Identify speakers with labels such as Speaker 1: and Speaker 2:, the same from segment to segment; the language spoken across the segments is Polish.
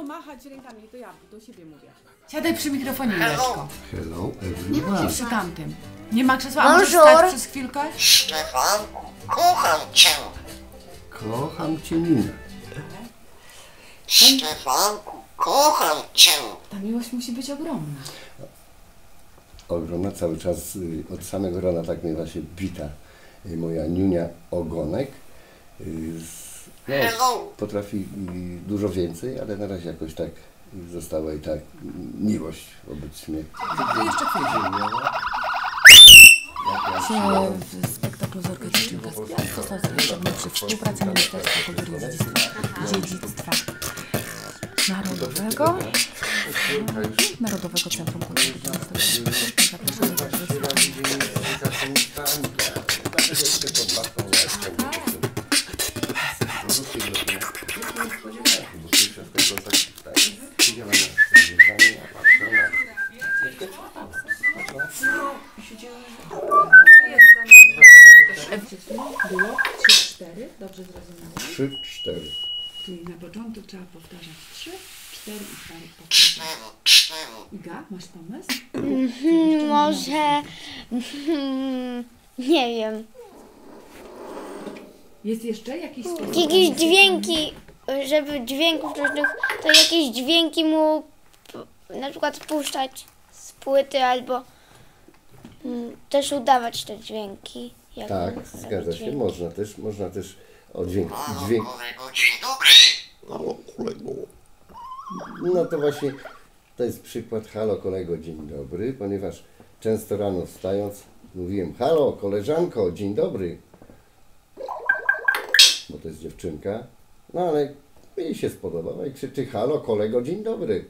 Speaker 1: machać rękami, to ja do siebie mówię. Siadaj przy mikrofonie, Juleczko.
Speaker 2: Hello,
Speaker 1: Nie
Speaker 2: everyone.
Speaker 1: musisz przy tamtym. Nie ma krzesła, a możesz stać przez chwilkę?
Speaker 3: Stefanku, kocham cię.
Speaker 2: Kocham cię, Nina.
Speaker 3: Stefanku, kocham cię.
Speaker 1: Ta miłość musi być ogromna.
Speaker 2: Ogromna cały czas, od samego rana tak mnie właśnie wita moja Niunia Ogonek. No, potrafi dużo więcej, ale na razie jakoś tak została i tak miłość wobec mnie.
Speaker 1: Jeszcze chwilę. W spektaklu z orkiestrą Kaspian został zawieszony przy współpracy Ministerstwa Kultury i Dziedzictwa Narodowego. Narodowego Centrum Kultury. Zapraszamy do Było 3-4, dobrze zrozumiałam?
Speaker 2: 3-4.
Speaker 1: Czyli na początku trzeba powtarzać 3, 4 i parę powtarzać. Iga, masz pomysł?
Speaker 4: Może... nie wiem.
Speaker 1: Jest jeszcze jakiś sposób?
Speaker 4: Jakieś dźwięki, żeby dźwięków różnych, to jakieś dźwięki mu na przykład puszczać z płyty albo też udawać te dźwięki. Jak
Speaker 2: Tak,
Speaker 4: on
Speaker 2: zgadza
Speaker 4: robi
Speaker 2: się.
Speaker 4: dźwięki.
Speaker 2: Można też dźwięk.
Speaker 3: Kolego, dzień dobry.
Speaker 2: Halo, kolego. No to właśnie, to jest przykład halo, kolego, dzień dobry, ponieważ często rano wstając mówiłem halo, koleżanko, dzień dobry. Bo to jest dziewczynka. No ale jej się spodobała i krzyczy halo, kolego, dzień dobry.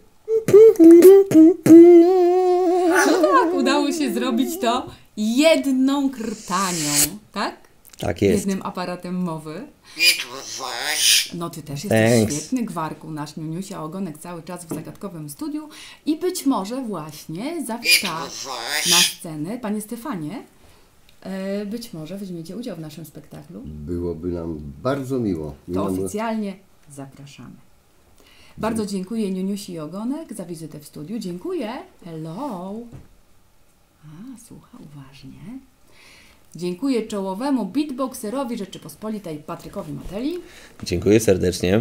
Speaker 1: Tak, udało się zrobić to jedną krtanią, tak?
Speaker 5: Tak jest.
Speaker 1: Jednym aparatem mowy.
Speaker 3: I tu was.
Speaker 1: No ty też jesteś
Speaker 5: Thanks.
Speaker 1: świetny, Gwarku, nasz Niuniusia Ogonek cały czas w zagadkowym studiu i być może właśnie zawita na scenę. Panie Stefanie, być może weźmiecie udział w naszym spektaklu.
Speaker 2: Byłoby nam bardzo miło.
Speaker 1: To oficjalnie zapraszamy. Bardzo dziękuję Niuniusi Ogonek za wizytę w studiu. Dziękuję. Hello. Słucha uważnie. Dziękuję czołowemu beatboxerowi Rzeczypospolitej Patrykowi Mateli.
Speaker 5: Dziękuję serdecznie.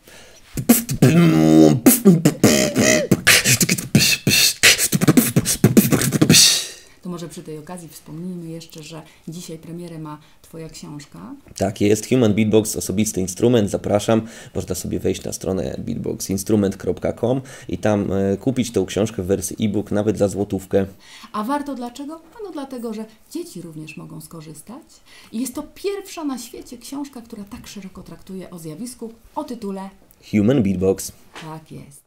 Speaker 1: To może przy tej okazji wspomnijmy jeszcze, że dzisiaj premierę ma Twoja książka.
Speaker 5: Tak jest. Human Beatbox, osobisty instrument. Zapraszam. Można sobie wejść na stronę beatboxinstrument.com i tam kupić tą książkę w wersji e-book nawet za złotówkę.
Speaker 1: A warto dlaczego? No dlatego, że dzieci również mogą skorzystać. I jest to pierwsza na świecie książka, która tak szeroko traktuje o zjawisku o tytule
Speaker 5: Human Beatbox.
Speaker 1: Tak jest.